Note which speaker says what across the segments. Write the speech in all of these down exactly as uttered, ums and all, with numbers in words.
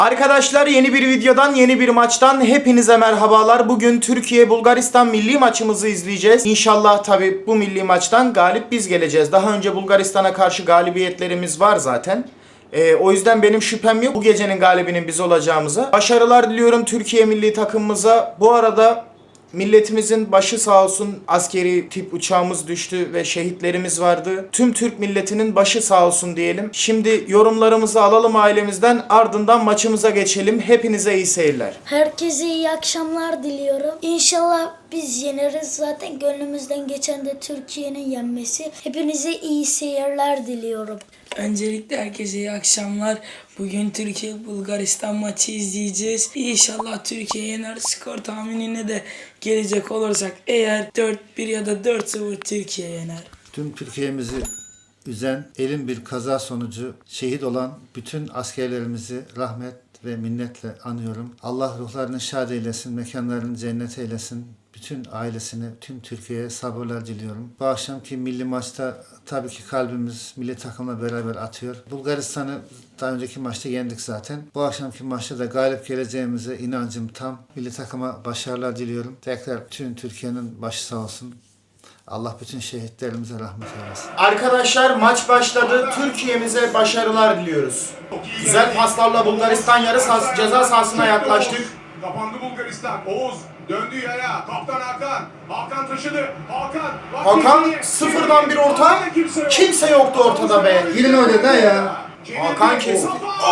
Speaker 1: Arkadaşlar yeni bir videodan, yeni bir maçtan hepinize merhabalar. Bugün Türkiye-Bulgaristan milli maçımızı izleyeceğiz. İnşallah tabi bu milli maçtan galip biz geleceğiz. Daha önce Bulgaristan'a karşı galibiyetlerimiz var zaten. Ee, o yüzden benim şüphem yok bu gecenin galibinin biz olacağımıza. Başarılar diliyorum Türkiye milli takımımıza. Bu arada milletimizin başı sağ olsun, askeri tip uçağımız düştü ve şehitlerimiz vardı. Tüm Türk milletinin başı sağ olsun diyelim. Şimdi yorumlarımızı alalım ailemizden, ardından maçımıza geçelim. Hepinize iyi seyirler.
Speaker 2: Herkese iyi akşamlar diliyorum. İnşallah biz yeneriz. Zaten gönlümüzden geçen de Türkiye'nin yenmesi. Hepinize iyi seyirler diliyorum.
Speaker 3: Öncelikle herkese iyi akşamlar. Bugün Türkiye-Bulgaristan maçı izleyeceğiz. İnşallah Türkiye yener. Skor tahminine de gelecek olursak eğer dört bir ya da dört sıfır Türkiye yener.
Speaker 4: Tüm Türkiye'mizi üzen elin bir kaza sonucu şehit olan bütün askerlerimizi rahmet ve minnetle anıyorum. Allah ruhlarını şad eylesin, mekanlarını cennet eylesin. Bütün ailesine, tüm Türkiye'ye sabırlar diliyorum. Bu akşamki milli maçta tabii ki kalbimiz milli takımla beraber atıyor. Bulgaristan'ı daha önceki maçta yendik zaten. Bu akşamki maçta da galip geleceğimize inancım tam. Milli takıma başarılar diliyorum. Tekrar tüm Türkiye'nin başı sağ olsun. Allah bütün şehitlerimize rahmet eylesin.
Speaker 1: Arkadaşlar maç başladı. Türkiye'mize başarılar diliyoruz. Güzel paslarla Bulgaristan yarı sahası, ceza sahasına yaklaştık.
Speaker 5: Kapandı Bulgaristan. Oğuz döndü yaya. Kaptan Hakan. Hakan taşıdı. Hakan.
Speaker 1: Hakan sıfırdan bir orta. Kimse yoktu ortada be.
Speaker 4: Girin öyle de ya.
Speaker 1: Hakan kesti.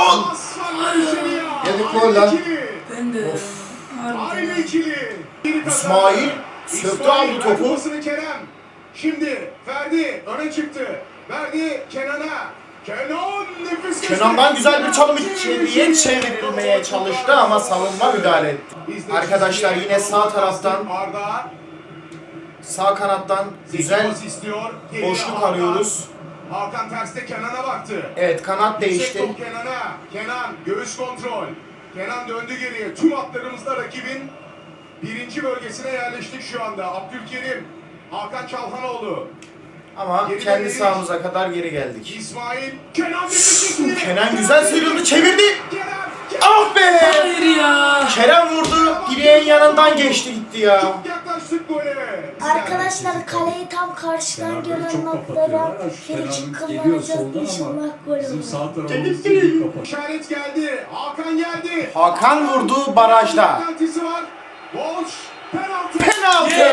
Speaker 4: Yedik gol lan.
Speaker 3: Ben de
Speaker 5: Aynı ikili.
Speaker 1: İsmail söktü aldı topu.
Speaker 5: Kerem. Şimdi Ferdi öne çıktı. Verdi Kenan'a. Kenan nefis.
Speaker 1: Kenan'dan güzel bir çalım içeriye çevrilmeye çalıştı ama savunma müdahale etti. Arkadaşlar yine sağ taraftan,
Speaker 5: Arda
Speaker 1: sağ kanattan güzel
Speaker 5: istiyor.
Speaker 1: boşluk arıyoruz.
Speaker 5: Hakan terste Kenan'a baktı.
Speaker 1: Evet, kanat değişti.
Speaker 5: Yüksek top Kenan'a. Kenan göğüs kontrol. Kenan döndü geriye. Tüm atlarımızda rakibin birinci bölgesine yerleştik şu anda. Abdülkerim, Hakan Çalhanoğlu.
Speaker 1: Ama
Speaker 5: Geri
Speaker 1: kendi
Speaker 5: dönüş.
Speaker 1: sahamıza kadar geri geldik.
Speaker 5: İsmail, Kenan bitirdi.
Speaker 1: Kenan güzel sıyrıldı, çevirdi.
Speaker 5: Kenan,
Speaker 1: Ah be!
Speaker 3: hayır ya.
Speaker 1: Kerem vurdu, direğin yanından geçti gitti ya.
Speaker 5: Çok yaklaştık gole.
Speaker 2: Arkadaşlar kaleyi tam karşıdan gelen noktalara frikik kullanacağız. İnşallah gol olur.
Speaker 5: İşaret geldi. Hakan geldi.
Speaker 1: Hakan vurdu barajda.
Speaker 5: Penaltısı var. Boş. Penaltı.
Speaker 1: Penaltı!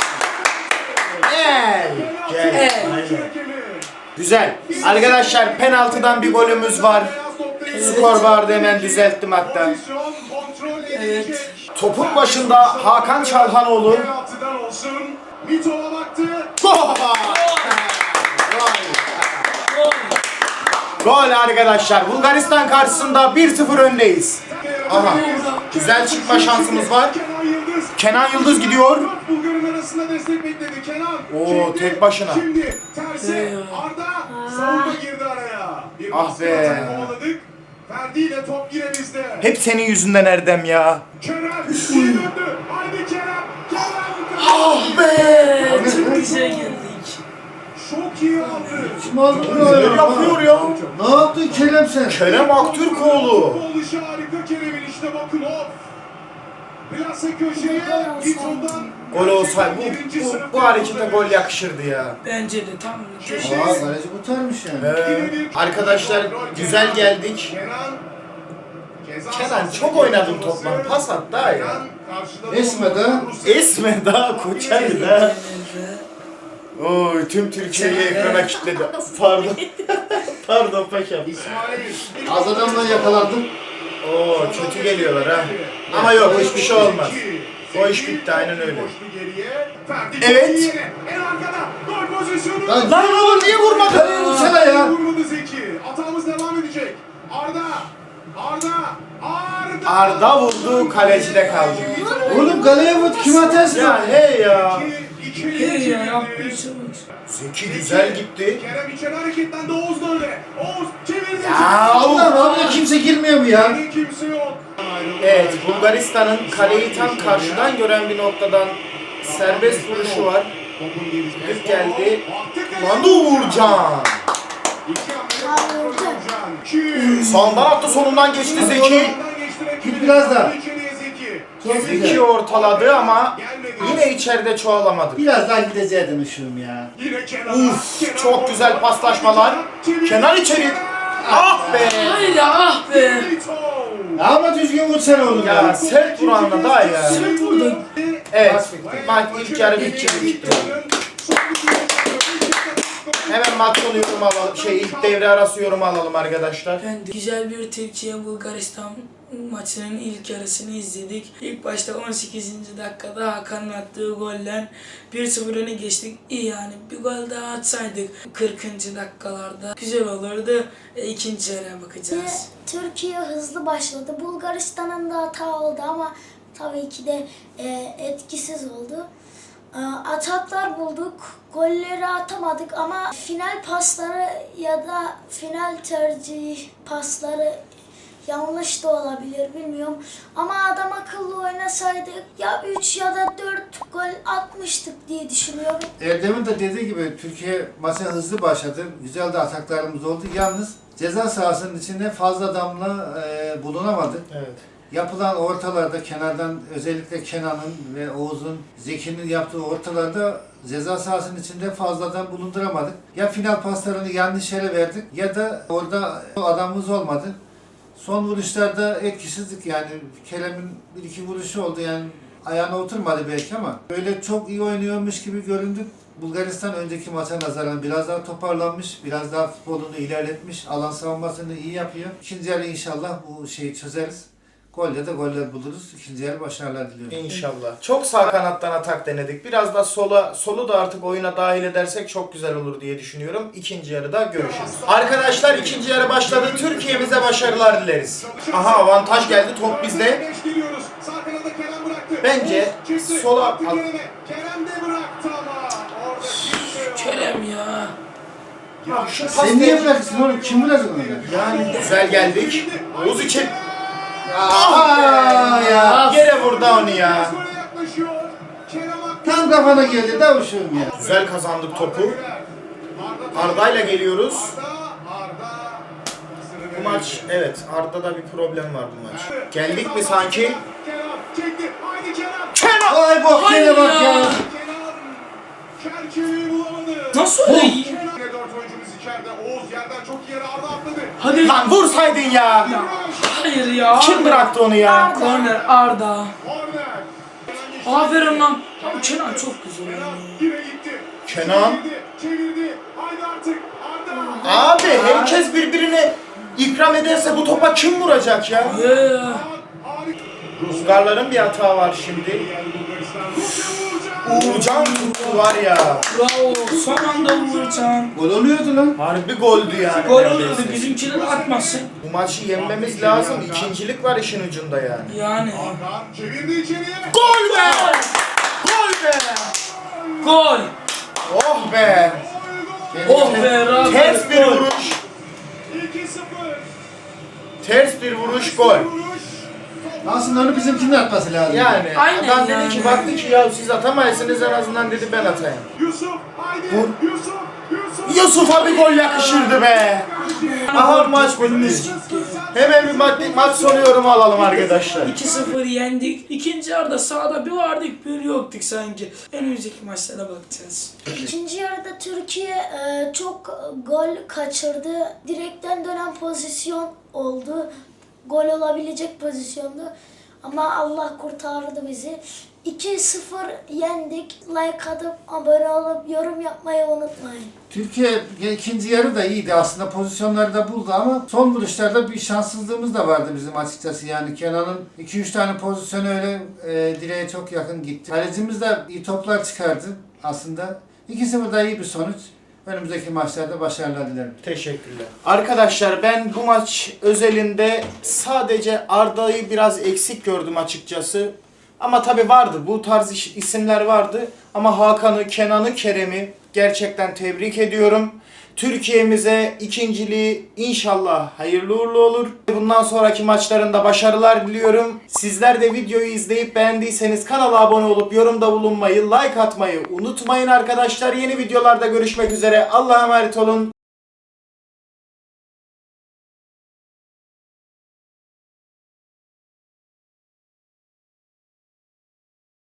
Speaker 1: Gel, gel. Güzel. Arkadaşlar penaltıdan bir golümüz var. Skor vardı, hemen düzelttim hatta.
Speaker 3: Evet.
Speaker 1: Topun başında Hakan Çalhanoğlu.
Speaker 5: Penaltıdan olsun. Mitova baktı.
Speaker 1: Gol! Gol arkadaşlar. Bulgaristan karşısında bir sıfır öndeyiz. Aha. Güzel çıkma şansımız var.
Speaker 5: Kenan Yıldız.
Speaker 1: Kenan Yıldız gidiyor.
Speaker 5: Dört Bulgar'ın arasında destek bekledi. Kenan.
Speaker 1: Oo,
Speaker 5: çekti.
Speaker 1: tek başına.
Speaker 5: Şimdi tersi. Arda. Savunma girdi araya. Bir
Speaker 1: Ah
Speaker 5: baskı
Speaker 1: be.
Speaker 5: atak kovaladık. Ferdi ile top yine bizde.
Speaker 1: Hep senin yüzünden Erdem ya.
Speaker 5: Kerem. iyi döndü. Haydi Kerem. Kerem.
Speaker 1: Ah be!
Speaker 3: Çok güzel geldik.
Speaker 5: Çok iyi aldı.
Speaker 4: Kim aldı bunu
Speaker 1: Ne
Speaker 4: ya?
Speaker 1: yapıyor ya?
Speaker 4: Ne yaptın Kerem sen?
Speaker 1: Kerem Aktürkoğlu.
Speaker 5: Futbol işi harika Kerem'in, işte bakın o. Plase köşeye. Viton'dan.
Speaker 1: Gol olsaydı
Speaker 5: Birinci
Speaker 1: bu, bu,
Speaker 5: sınıf
Speaker 1: bu harekete gol
Speaker 5: futbolcu.
Speaker 1: yakışırdı ya.
Speaker 3: Bence de tam köşe.
Speaker 4: Aa kaleci kurtarmış yani.
Speaker 1: Ee, arkadaşlar güzel geldik.
Speaker 5: Kenan. Ceza
Speaker 1: Kenan
Speaker 5: sahası
Speaker 1: çok oynadım
Speaker 5: yapması.
Speaker 1: toplam. Pas at daha ya.
Speaker 5: Kenan karşıladı
Speaker 4: Esme
Speaker 5: onu.
Speaker 4: de.
Speaker 1: Esme daha Koçay da. Oy tüm Türkiye'yi ekrana kilitledi. Pardon. Pardon paşam.
Speaker 5: İsmail.
Speaker 4: Az adamla yakalandım.
Speaker 1: Oo kötü geliyorlar ha. Ama yok hiçbir şey olmaz. O iş bitti, aynen öyle. Evet.
Speaker 5: En arkada. Gol pozisyonu.
Speaker 4: Lan,
Speaker 1: Lan oğlum niye vurmadın?
Speaker 4: Kaleye vursana ya.
Speaker 5: Vurmadı Zeki. Atağımız devam edecek. Arda. Arda. Arda.
Speaker 1: Arda vurdu, kalecide kaldı.
Speaker 4: Oğlum kaleye vur. Kim atarsın?
Speaker 1: Ya hey ya.
Speaker 5: İki, iki,
Speaker 3: Hey ya
Speaker 5: iki,
Speaker 3: yaptığı
Speaker 5: iki.
Speaker 3: şey bak.
Speaker 1: Zeki güzel gitti.
Speaker 5: Kerem içeri hareketlendi. Oğuz da öyle. Oğuz çevirdi.
Speaker 1: Ya
Speaker 4: Allah Allah kimse girmiyor mu ya?
Speaker 5: Yine kimse yok.
Speaker 1: Evet, Bulgaristan'ın kaleyi tam karşıdan gören bir noktadan serbest vuruşu var. Düz geldi. Lan da Uğurcan.
Speaker 5: İki hamle.
Speaker 2: Uğurcan.
Speaker 1: Sağından attı, sonundan geçti Zeki.
Speaker 4: Git biraz daha. Çok
Speaker 1: Zeki
Speaker 4: güzel.
Speaker 1: ortaladı ama yine içeride çoğalamadı.
Speaker 4: Biraz daha gideceğim ışığım ya.
Speaker 1: Uf, çok güzel paslaşmalar. Kenan içeri. Ah be.
Speaker 3: Hayır ya, ah be.
Speaker 4: Ama düzgün vursana oğlum
Speaker 1: Ya
Speaker 4: ya.
Speaker 1: sert vuranla daha ya.
Speaker 3: Sert vurdun.
Speaker 1: Evet. Maç ilk yarı bitti. bitti. Hemen maç sonu yorum alalım. Şey ilk devre arası yorum alalım arkadaşlar.
Speaker 3: Ben de güzel bir Türkiye-Bulgaristan maçının ilk yarısını izledik. İlk başta on sekizinci dakikada Hakan'ın attığı golle bir sıfır öne geçtik. İyi yani, bir gol daha atsaydık kırkıncı dakikalarda güzel olurdu. E, ikinci yarıya bakacağız.
Speaker 2: Türkiye hızlı başladı. Bulgaristan'ın da hata oldu ama tabii ki de e, etkisiz oldu. E, ataklar bulduk, golleri atamadık ama final pasları ya da final tercih pasları yanlış da olabilir, bilmiyorum. Ama adam akıllı oynasaydık ya üç ya da dört gol atmıştık diye düşünüyorum.
Speaker 4: Erdem'in de dediği gibi Türkiye maça hızlı başladı. Güzel de ataklarımız oldu. Yalnız ceza sahasının içinde fazla adamla e, bulunamadık.
Speaker 1: Evet.
Speaker 4: Yapılan ortalarda kenardan özellikle Kenan'ın ve Oğuz'un, Zeki'nin yaptığı ortalarda ceza sahasının içinde fazladan bulunduramadık. Ya final paslarını yanlış yere verdik ya da orada adamımız olmadı. Son vuruşlarda etkisizlik, yani Kerem'in bir iki vuruşu oldu, yani ayağına oturmadı belki ama böyle çok iyi oynuyormuş gibi göründük. Bulgaristan önceki maça nazaran biraz daha toparlanmış, biraz daha futbolunu ilerletmiş, alan savunmasını iyi yapıyor. İkinci yarı inşallah bu şeyi çözeriz. Golle de goller buluruz. İkinci yarı başarılar diliyorum.
Speaker 1: İnşallah. Çok sağ kanattan atak denedik. Biraz da sola, solu da artık oyuna dahil edersek çok güzel olur diye düşünüyorum. İkinci yarıda görüşürüz. Arkadaşlar ikinci yarı başladı. Türkiye'mize başarılar dileriz. Aha, avantaj geldi. Top bizde. Bence sola...
Speaker 5: Kerem de bıraktı ama orada kimse yok.
Speaker 3: Kerem ya.
Speaker 1: Ya şu pas
Speaker 4: Sen niye
Speaker 1: değil.
Speaker 4: bırakırsın oğlum? Kim vuracak onu?
Speaker 1: Yani güzel geldik. Oğuz için.
Speaker 4: Aa ya.
Speaker 1: Yere vurdu onu ya.
Speaker 5: Sonra yaklaşıyor. Kerem Aktürkoğlu.
Speaker 4: Tam kafana geldi davuşum ya.
Speaker 1: Güzel kazandık topu. Arda'yla geliyoruz.
Speaker 5: Arda, Arda.
Speaker 1: Bu maç, evet, Arda'da bir problem var bu maç. Geldik mi sanki?
Speaker 5: Kerem çekti. Haydi Kerem.
Speaker 1: Kenan!
Speaker 4: Vay bok yine bak ya.
Speaker 5: Kenan. Çerçeveyi bulamadı.
Speaker 3: Nasıl öyle?
Speaker 5: Kenan. Yine dört oyuncumuz içeride. Oğuz yerden çok iyi yere Arda atladı.
Speaker 3: Hadi.
Speaker 1: Lan vursaydın ya!
Speaker 3: Hayır ya.
Speaker 1: Kim bıraktı onu ya?
Speaker 3: Korner Arda.
Speaker 5: Korner.
Speaker 3: Aferin lan. Ya bu Kenan çok güzel
Speaker 5: Kenan
Speaker 3: oynuyor.
Speaker 5: yine gitti.
Speaker 1: Kenan.
Speaker 5: Çevirdi. Çevirdi. Haydi artık. Arda.
Speaker 1: Abi herkes birbirine ikram ederse bu topa kim vuracak ya?
Speaker 3: Ya.
Speaker 5: Harika.
Speaker 1: Bulgarların bir hata var şimdi. Uğurcan tuttu var ya.
Speaker 3: Bravo. Son anda Uğurcan.
Speaker 4: Gol oluyordu lan.
Speaker 1: Harbi goldü yani.
Speaker 3: Gol
Speaker 1: neredeyse.
Speaker 3: oluyordu. Bizimkiler atmasın.
Speaker 1: Bu maçı yenmemiz lazım. İkincilik var işin ucunda yani.
Speaker 3: Yani.
Speaker 5: Hakan çevirdi içeriye.
Speaker 1: Gol be! Gol be!
Speaker 3: Gol.
Speaker 1: Oh be!
Speaker 3: Oh be Rafa.
Speaker 1: Ters bir vuruş.
Speaker 5: iki sıfır.
Speaker 1: Ters bir vuruş, gol.
Speaker 4: Aslında onu bizimkinin atması lazım.
Speaker 1: Yani
Speaker 3: Aynen
Speaker 1: adam dedi
Speaker 3: yani.
Speaker 1: ki, baktı ki ya siz atamayasınız, en azından dedi ben atayım.
Speaker 5: Yusuf haydi.
Speaker 1: Vur.
Speaker 5: Yusuf. Yusuf.
Speaker 1: Yusuf'a bir gol yakışırdı be. Aha maç bitmiş. Hemen bir maç, maç sonu yorumu alalım arkadaşlar.
Speaker 3: iki sıfır yendik. İkinci yarıda sağda bir vardık bir yoktuk sanki. Önümüzdeki maçlara bakacağız.
Speaker 2: İkinci yarıda Türkiye e, çok gol kaçırdı. Direkten dönen pozisyon oldu. Gol olabilecek pozisyondu. Ama Allah kurtardı bizi. iki sıfır yendik. Like atıp abone olup yorum yapmayı unutmayın.
Speaker 4: Türkiye ikinci yarı da iyiydi aslında, pozisyonları da buldu ama son vuruşlarda bir şanssızlığımız da vardı bizim açıkçası. Yani Kenan'ın iki üç tane pozisyonu öyle e, direğe çok yakın gitti. Kalecimiz de iyi toplar çıkardı aslında. iki sıfır da iyi bir sonuç. Önümüzdeki maçlarda başarılar dilerim.
Speaker 1: Teşekkürler. Arkadaşlar ben bu maç özelinde sadece Arda'yı biraz eksik gördüm açıkçası. Ama tabi vardı, bu tarz iş- isimler vardı. Ama Hakan'ı, Kenan'ı, Kerem'i gerçekten tebrik ediyorum. Türkiye'mize ikinciliği inşallah hayırlı uğurlu olur. Bundan sonraki maçlarında başarılar diliyorum. Sizler de videoyu izleyip beğendiyseniz kanala abone olup yorumda bulunmayı, like atmayı unutmayın arkadaşlar. Yeni videolarda görüşmek üzere. Allah'a emanet olun.